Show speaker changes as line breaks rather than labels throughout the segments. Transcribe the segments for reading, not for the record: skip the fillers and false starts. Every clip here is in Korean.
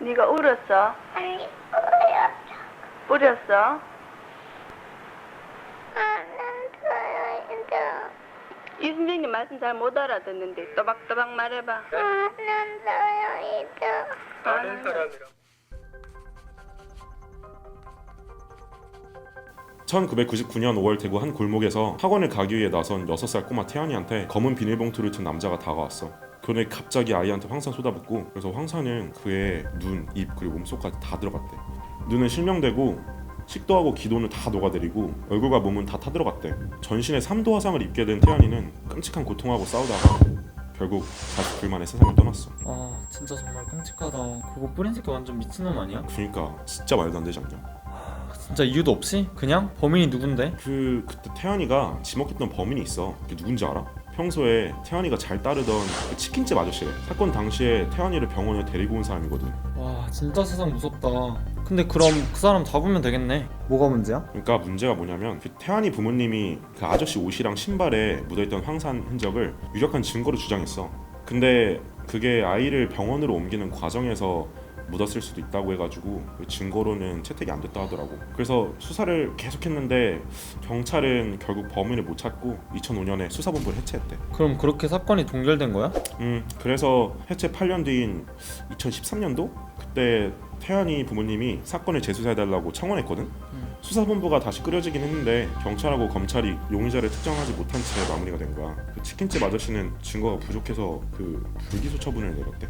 네가 울었어?
아니, 뿌렸어.
뿌렸어? 이 선생님 말씀 잘 못 알아듣는데 또박또박 말해봐.
아는 사람이랑.
1999년 5월 대구 한 골목에서 학원을 가기 위해 나선 6살 꼬마 태연이한테 검은 비닐봉투를 든 남자가 다가왔어. 그런데 갑자기 아이한테 황산 쏟아붓고, 그래서 황산은 그의 눈, 입 그리고 몸속까지 다 들어갔대. 눈은 실명되고 식도하고 기도는 다 녹아내리고 얼굴과 몸은 다 타들어갔대. 전신에 3도 화상을 입게 된 태연이는 끔찍한 고통하고 싸우다가 결국 49일 만에 세상을 떠났어.
아 진짜 정말 끔찍하다. 그거 뿌린 새끼 완전 미친놈 아니야?
그러니까 진짜 말도 안 되지 않냐?
진짜 이유도 없이? 그냥? 범인이 누군데?
그때 태연이가 지목했던 범인이 있어. 그게 누군지 알아? 평소에 태연이가 잘 따르던 그 치킨집 아저씨래. 사건 당시에 태연이를 병원에 데리고 온 사람이거든.
와 진짜 세상 무섭다. 근데 그럼 그 사람 잡으면 되겠네. 뭐가 문제야?
그러니까 문제가 뭐냐면 그 태연이 부모님이 그 아저씨 옷이랑 신발에 묻어있던 황산 흔적을 유력한 증거로 주장했어. 근데 그게 아이를 병원으로 옮기는 과정에서 묻었을 수도 있다고 해가지고 그 증거로는 채택이 안 됐다 하더라고. 그래서 수사를 계속했는데 경찰은 결국 범인을 못 찾고 2005년에 수사본부를 해체했대.
그럼 그렇게 사건이 종결된 거야?
그래서 해체 8년 뒤인 2013년도 그때 태연이 부모님이 사건을 재수사해달라고 청원했거든. 수사본부가 다시 꾸려지긴 했는데 경찰하고 검찰이 용의자를 특정하지 못한 채 마무리가 된 거야. 그 치킨집 아저씨는 증거가 부족해서 그 불기소 처분을 내렸대.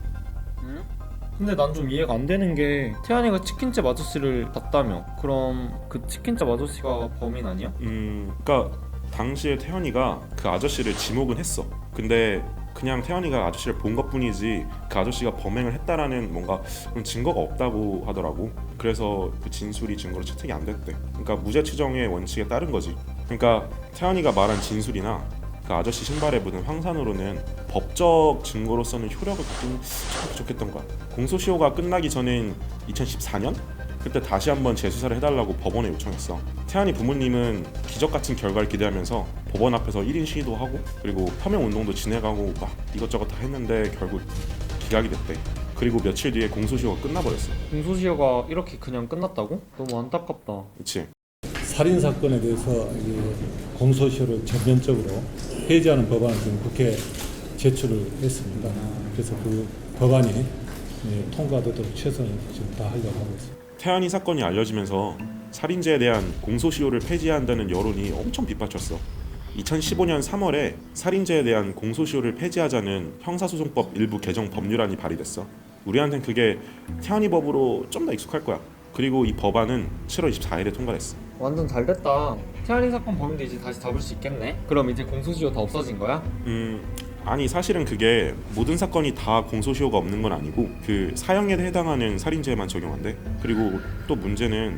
근데 난 좀 이해가 안 되는 게 태연이가 치킨집 아저씨를 봤다며. 그럼 그 치킨집 아저씨가 범인 아니야?
그러니까 당시에 태연이가 그 아저씨를 지목은 했어. 근데 그냥 태연이가 아저씨를 본 것뿐이지 그 아저씨가 범행을 했다라는 뭔가 그런 증거가 없다고 하더라고. 그래서 그 진술이 증거로 채택이 안 됐대. 그러니까 무죄 추정의 원칙에 따른 거지. 그러니까 태연이가 말한 진술이나 그 아저씨 신발에 묻은 황산으로는 법적 증거로서는 효력을 갖기는 참 부족했던 거야. 공소시효가 끝나기 전인 2014년? 그때 다시 한번 재수사를 해달라고 법원에 요청했어. 태연이 부모님은 기적같은 결과를 기대하면서 법원 앞에서 1인 시위도 하고 그리고 서명운동도 진행하고 막 이것저것 다 했는데 결국 기각이 됐대. 그리고 며칠 뒤에 공소시효가 끝나버렸어.
공소시효가 이렇게 그냥 끝났다고? 너무 안타깝다.
그치?
살인 사건에 대해서 공소시효를 전면적으로 폐지하는 법안을 지금 국회에 제출을 했습니다. 그래서 그 법안이 통과되도록 최선을 지금 다하려고 하고 있습니다.
태연이 사건이 알려지면서 살인죄에 대한 공소시효를 폐지해야 한다는 여론이 엄청 빗받쳤어. 2015년 3월에 살인죄에 대한 공소시효를 폐지하자는 형사소송법 일부 개정 법률안이 발의됐어. 우리한텐 그게 태연이 법으로 좀 더 익숙할 거야. 그리고 이 법안은 7월 24일에 통과됐어.
완전 잘 됐다. 태연이 사건 범인도 이제 다시 잡을 수 있겠네. 그럼 이제 공소시효 다 없어진 거야?
아니 사실은 그게 모든 사건이 다 공소시효가 없는 건 아니고 그 사형에 해당하는 살인죄만 적용한대. 그리고 또 문제는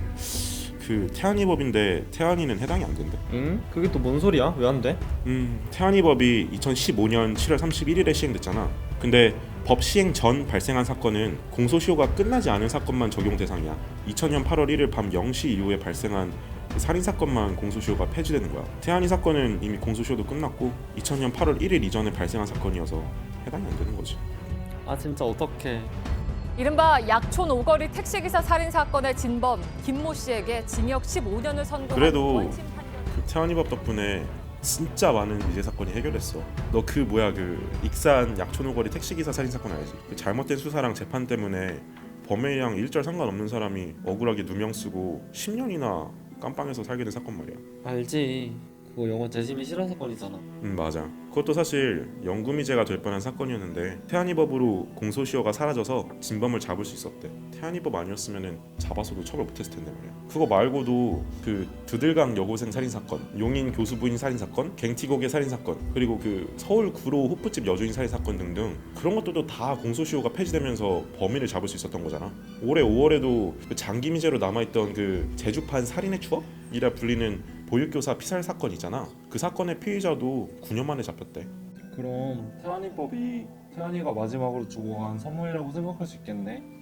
그 태안이 법인데 태안이는 해당이 안 된대.
응? 그게 또 뭔 소리야? 왜 안 돼?
태안이 법이 2015년 7월 31일에 시행됐잖아. 근데 법 시행 전 발생한 사건은 공소시효가 끝나지 않은 사건만 적용 대상이야. 2000년 8월 1일 밤 0시 이후에 발생한 살인 사건만 공소시효가 폐지되는 거야. 태안이 사건은 이미 공소시효도 끝났고 2000년 8월 1일 이전에 발생한 사건이어서 해당이 안 되는 거지.
아 진짜 어떡해.
이른바 약촌 오거리 택시기사 살인 사건의 진범 김모 씨에게 징역 15년을 선고한
그래도
원심 판결.
그 태안이 법 덕분에 진짜 많은 유죄 사건이 해결됐어. 너 그 뭐야 그 익산 약촌오거리 택시기사 살인 사건 알지? 그 잘못된 수사랑 재판 때문에 범행이랑 일절 상관없는 사람이 억울하게 누명 쓰고 10년이나 깜빵에서 살게 된 사건 말이야.
알지. 그거 영화 재심이 실화 사건이잖아.
맞아. 그것도 사실 영구미제가 될 뻔한 사건이었는데 태안이 법으로 공소시효가 사라져서 진범을 잡을 수 있었대. 태안이 법 아니었으면 잡아서도 처벌 못했을 텐데 말이야. 그거 말고도 그 드들강 여고생 살인 사건, 용인 교수 부인 살인 사건, 갱티고개 살인 사건, 그리고 그 서울 구로 호프집 여주인 살인 사건 등등 그런 것들도 다 공소시효가 폐지되면서 범인을 잡을 수 있었던 거잖아. 올해 5월에도 그 장기미제로 남아있던 그 제주판 살인의 추억이라 불리는 보육교사 피살 사건 있잖아. 그 사건의 피의자도 9년 만에 잡혔대.
그럼 태연이 법이 태연이가 마지막으로 주고 간 선물이라고 생각할 수 있겠네.